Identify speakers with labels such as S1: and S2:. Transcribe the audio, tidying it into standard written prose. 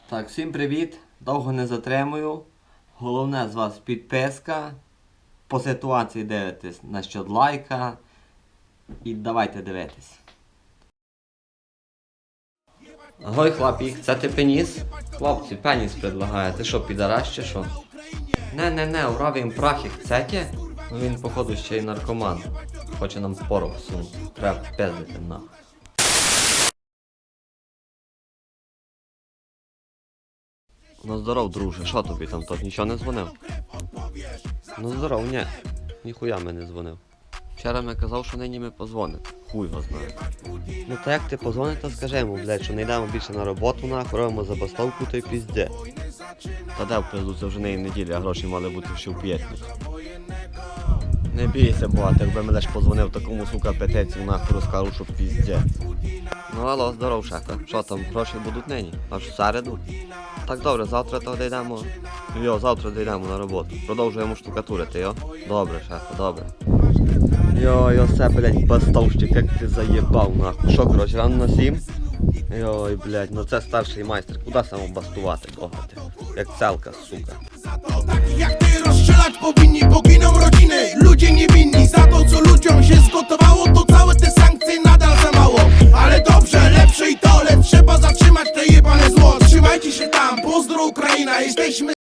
S1: Так, всім привіт! Довго не затримую. Головне з вас підписка. По ситуації дивитесь насчет лайка. І давайте дивитись. Гой, хлопік, це ти пеніс? Хлопці, пеніс предлагає. Ти що, підараш чи що? Не, уравім прахи chcете? Ну він, походу, ще й наркоман. Хоче нам порох всунути. Треба пиздити нахуй. Ну здоров, друже, що тобі там, тот нічого не дзвонив? Ну здоров, ні, ніхуя ми не дзвонив. Вчора ми казав, що нині ми позвонимо. Хуй його знає. Ну та як ти позвониш, то скажи йому, блядь, що не йдемо більше на роботу, нахуй, робимо забастовку, то й пізде. Та де в пизду, це вже не неділя, а гроші мали бути ще в п'ятницю. Не бійся, бо, якби мене ж позвонив такому, сука, петецію, нахуй розкажу, що пізде. Ну алло, здоров, шефе. Що там, гроші будуть нині? Аж в середу? Так добре, завтра то дійдемо. Завтра дійдемо на роботу. Продовжуємо штукатурити, йо? Добре, шефе, добре. Все, блядь, бастовщик, як ти заєбав, нахуй. Що, коротше, рано на 7? Блядь, ну це старший майстер. Куди самому бастувати, богати? Як целка, сука.
S2: Jak ty rozstrzelać powinni, poginą rodziny. Ludzie niewinni za to, co ludziom się zgotowało.